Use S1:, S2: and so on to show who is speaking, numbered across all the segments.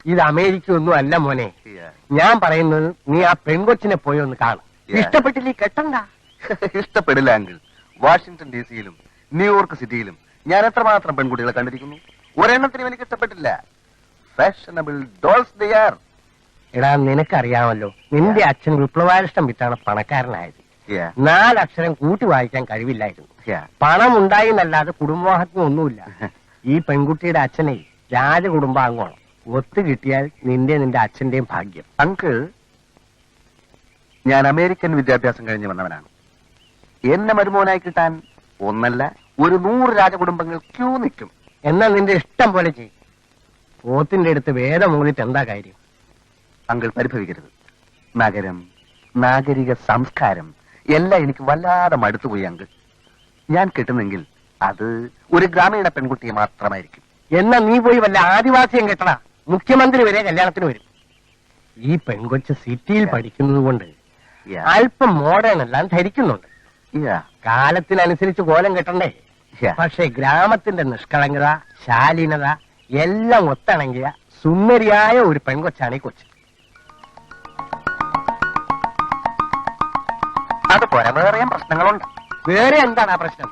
S1: ഇത് അമേരിക്ക ഒന്നും അല്ല മോനെ. ഞാൻ പറയുന്നത് നീ ആ പെൺകൊച്ചിനെ പോയി ഒന്ന് കാണും. ഇഷ്ടപ്പെട്ടില്ലേ കെട്ടണ്ട.
S2: ഇഷ്ടപ്പെടില്ല അങ്കിൾ. വാഷിംഗ്ടൺ DC-യിലും ന്യൂയോർക്ക് സിറ്റിയിലും ഞാൻ എത്രമാത്രം പെൺകുട്ടികളെ കണ്ടിരിക്കുന്നു. ഒരെണ്ണത്തിനും എനിക്ക് ഇഷ്ടപ്പെട്ടില്ല. Fashionable dolls they are.
S1: എടാ നിനക്കറിയാമല്ലോ, നിന്റെ അച്ഛൻ വിപ്ലവാരിഷ്ടം വിറ്റാണ് പണക്കാരനായത്. 4 അക്ഷരം കൂട്ടി വായിക്കാൻ കഴിവില്ലായിരുന്നു. പണം ഉണ്ടായി എന്നല്ലാതെ കുടുംബമാഹത്മ്യം ഒന്നുമില്ല. ഈ പെൺകുട്ടിയുടെ അച്ഛനെ രാജകുടുംബാംഗമാണ്. ഒത്തു കിട്ടിയാൽ നിന്റെ അച്ഛന്റെയും ഭാഗ്യം.
S2: അങ്കിൾ, ഞാൻ അമേരിക്കൻ വിദ്യാഭ്യാസം കഴിഞ്ഞ് വന്നവനാണ്. എന്നെ മരുമോനായി കിട്ടാൻ ഒന്നല്ല 100 രാജകുടുംബങ്ങൾ ക്യൂ നിൽക്കും.
S1: എന്നാ നിന്റെ ഇഷ്ടം പോലെ ചെയ്യും. പോത്തിന്റെ അടുത്ത് വേദം മൂന്നിട്ട് എന്താ കാര്യം?
S2: അങ്കിൾ പരിഭവിക്കരുത്. നഗരം, നാഗരിക സംസ്കാരം എല്ലാം എനിക്ക് വല്ലാതെ മടുത്തുപോയി അങ്കിൾ. ഞാൻ കിട്ടുന്നെങ്കിൽ അത് ഒരു ഗ്രാമീണ പെൺകുട്ടിയെ മാത്രമായിരിക്കും.
S1: എന്നാ നീ പോയി വല്ല ആദിവാസിയും കെട്ടടാ. മുഖ്യമന്ത്രി വരെ കല്യാണത്തിന് വരും. ഈ പെൺകൊച്ച് സിറ്റിയിൽ പഠിക്കുന്നത് കൊണ്ട് അല്പം മോഡേൺ എല്ലാം ധരിക്കുന്നുണ്ട്. കാലത്തിനനുസരിച്ച് കോലം കെട്ടണ്ടേ? പക്ഷെ ഗ്രാമത്തിന്റെ നിഷ്കളങ്കത, ശാലീനത എല്ലാം ഒത്തിണങ്ങിയ സുന്ദരിയായ ഒരു പെൺകൊച്ചാണ് ഈ കൊച്ച്.
S2: അതുപോലെ വേറെ പ്രശ്നങ്ങളുണ്ട്.
S1: വേറെ എന്താണ് ആ പ്രശ്നം?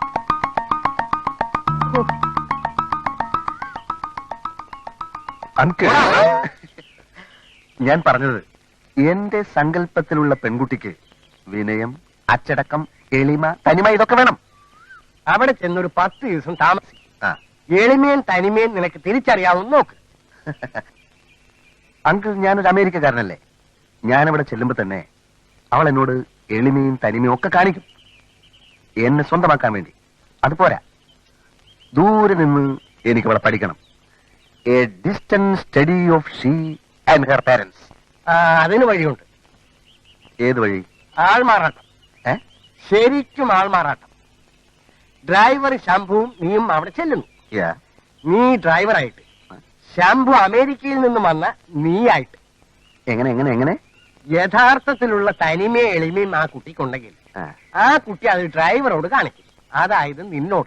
S2: ഞാൻ പറഞ്ഞത്, എന്റെ സങ്കല്പത്തിലുള്ള പെൺകുട്ടിക്ക് വിനയം, അച്ചടക്കം, എളിമ, തനിമ ഇതൊക്കെ വേണം.
S1: അവിടെ ചെന്നൊരു 10 ദിവസം താമസിക്കും. എളിമയും തനിമയും നിനക്ക് തിരിച്ചറിയാവുന്ന നോക്ക്.
S2: അങ്കിൾ, ഞാനൊരു അമേരിക്കക്കാരനല്ലേ. ഞാനവിടെ ചെല്ലുമ്പോ തന്നെ അവൾ എന്നോട് എളിമയും തനിമയും ഒക്കെ കാണിക്കും, എന്നെ സ്വന്തമാക്കാൻ വേണ്ടി. അതുപോരാ, ദൂരെ നിന്ന് എനിക്ക് അവളെ പഠിക്കണം. A distant study of she and her parents.
S1: അതിന് വഴിയുണ്ട്.
S2: ഏത് വഴി?
S1: ആൾമാറാട്ടം. ശരിക്കും ആൾമാറാട്ടം. ഡ്രൈവർ ശംഭുവും നീയും അവിടെ ചെല്ലുന്നു. നീ ഡ്രൈവറായിട്ട്, ശംഭു അമേരിക്കയിൽ നിന്നും വന്ന നീയായിട്ട്.
S2: എങ്ങനെ?
S1: യഥാർത്ഥത്തിലുള്ള തനിമയും എളിമയും ആ കുട്ടിക്കുണ്ടെങ്കിൽ ആ കുട്ടി അത് ഡ്രൈവറോട് കാണിക്കും. അതായത് നിന്നോട്.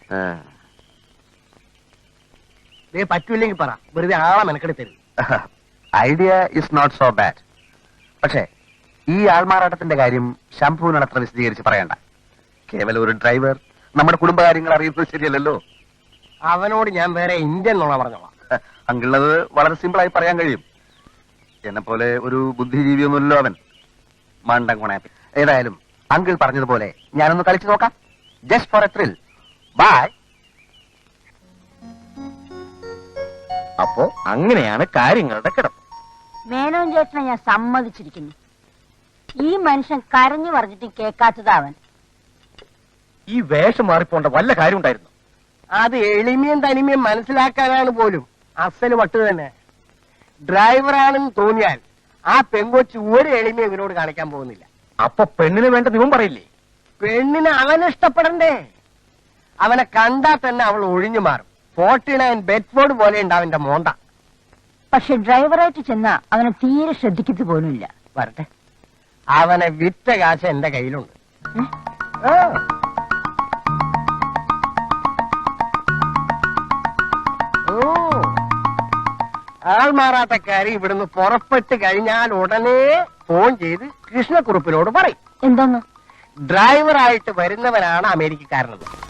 S1: പറ്റൂല്ലെങ്കിൽ പറ, വെറുതെ ആളെ മെനക്കെടുത്തരുത്.
S2: Idea is not so bad. പക്ഷേ ഈ ആൾമാറാട്ടത്തിന്റെ കാര്യം ശംഭുവിനോട് അത്ര വിശദീകരിച്ച് പറയണ്ട. കേവലം ഒരു ഡ്രൈവർ നമ്മുടെ കുടുംബകാര്യങ്ങൾ അറിയുന്നത് ശരിയല്ലല്ലോ.
S1: അവനോട് ഞാൻ വേറെ ഇന്ത്യൻ നോള പറഞ്ഞോളാം.
S2: അങ്കിളത് വളരെ സിമ്പിളായി പറയാൻ കഴിയും. എന്നെ പോലെ ഒരു ബുദ്ധിജീവിയൊന്നുമല്ലോ അവൻ. മണ്ടൻ കൊണാപ്പി. ഏതായാലും അങ്കിൾ പറഞ്ഞതുപോലെ ഞാനൊന്ന് കളിച്ചു നോക്കാം. Just for a thrill. Bye.
S3: അപ്പോ അങ്ങനെയാണ് കാര്യങ്ങളുടെ കിടപ്പ്.
S4: മേനോൻ ചേട്ടനെ ഞാൻ സമ്മതിച്ചിരിക്കുന്നു. ഈ മനുഷ്യൻ കരഞ്ഞു പറഞ്ഞിട്ട് കേൾക്കാത്തത് അവൻ.
S3: ഈ വേഷം മാറിപ്പോണ്ട വല്ല കാര്യം ഉണ്ടായിരുന്നു?
S1: അത് എളിമയും തനിമയും മനസ്സിലാക്കാനാണ് പോലും. അസല് വട്ട് തന്നെ. ഡ്രൈവറാണെന്ന് തോന്നിയാൽ ആ പെങ്കൊച്ച് ഒരു എളിമയും ഇവരോട് കാണിക്കാൻ പോകുന്നില്ല.
S3: അപ്പൊ പെണ്ണിന് വേണ്ട നിവം പറയില്ലേ?
S1: പെണ്ണിന് അവനെ ഇഷ്ടപ്പെടണ്ടേ? അവനെ കണ്ടാൽ തന്നെ അവൾ ഒഴിഞ്ഞു മാറും. 49 ബെഡ്ഫോർഡ് പോലെ ഉണ്ട് അവന്റെ മോന്ത.
S4: പക്ഷെ ഡ്രൈവറായിട്ട് ചെന്നാ അവനെ തീരെ ശ്രദ്ധിക്കത്തു പോലുമില്ല.
S1: വരട്ടെ, അവനെ വിറ്റ കാശ് എന്റെ കയ്യിലുണ്ട്. ആൾമാറാട്ടക്കാരി ഇവിടുന്ന് പുറപ്പെട്ട് കഴിഞ്ഞാൽ ഉടനെ ഫോൺ ചെയ്ത് കൃഷ്ണക്കുറുപ്പിനോട് പറയും.
S4: എന്തോന്ന്?
S1: ഡ്രൈവറായിട്ട് വരുന്നവനാണ് അമേരിക്കക്കാരനത്.